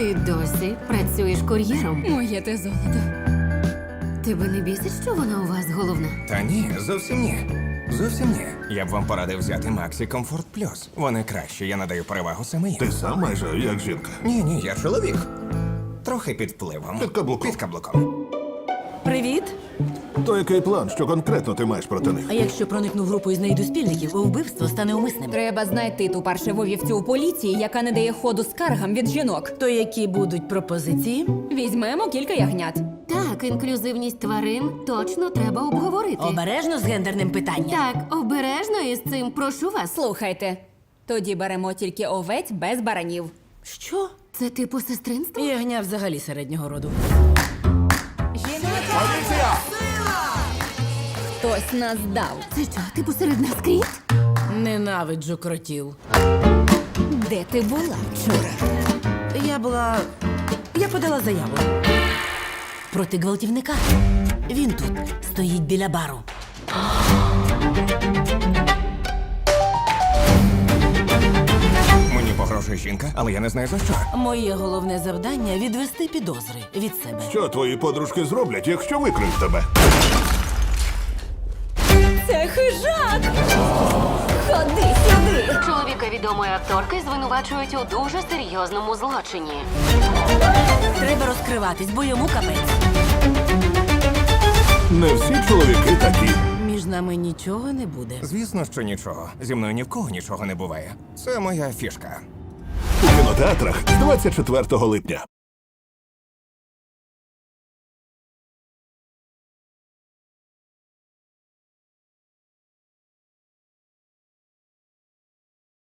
Ти досі працюєш кур'єром. Моє те золото. Тебе не бісить, що вона у вас головна? Та ні, зовсім ні. Зовсім ні. Я б вам порадив взяти Maxi Comfort Plus. Вони кращі, я надаю перевагу саме їм. Ти сам майже як жінка. Ні, я чоловік. Трохи під впливом. Під каблуком. Під каблуком. Привіт. То який план, що конкретно ти маєш проти них? А якщо проникну в групу і знайду спільників, вбивство стане умисним. Треба знайти ту паршиву вівцю у поліції, яка не дає ходу скаргам від жінок. То які будуть пропозиції? Візьмемо кілька ягнят. Так, інклюзивність тварин точно треба обговорити. Обережно з гендерним питанням. Так, обережно із цим, прошу вас. Слухайте, тоді беремо тільки овець без баранів. Що? Це типу сестринство? Ягня взагалі середнього роду. Хтось нас дав. Це що, типу серед нас кріт? Ненавиджу кротів. Де ти була вчора? Я подала заяву. Проти гвалтівника. Він тут стоїть біля бару. Мені погрожує жінка, але я не знаю за що. Моє головне завдання відвести підозри від себе. Що твої подружки зроблять, якщо викриють тебе? Це хижак! Ходи сюди! Чоловіка відомої акторки звинувачують у дуже серйозному злочині. Треба розкриватись, бо йому капець. Не всі чоловіки такі. Між нами нічого не буде. Звісно, що нічого. Зі мною ні в кого нічого не буває. Це моя фішка. У кінотеатрах з 24 липня.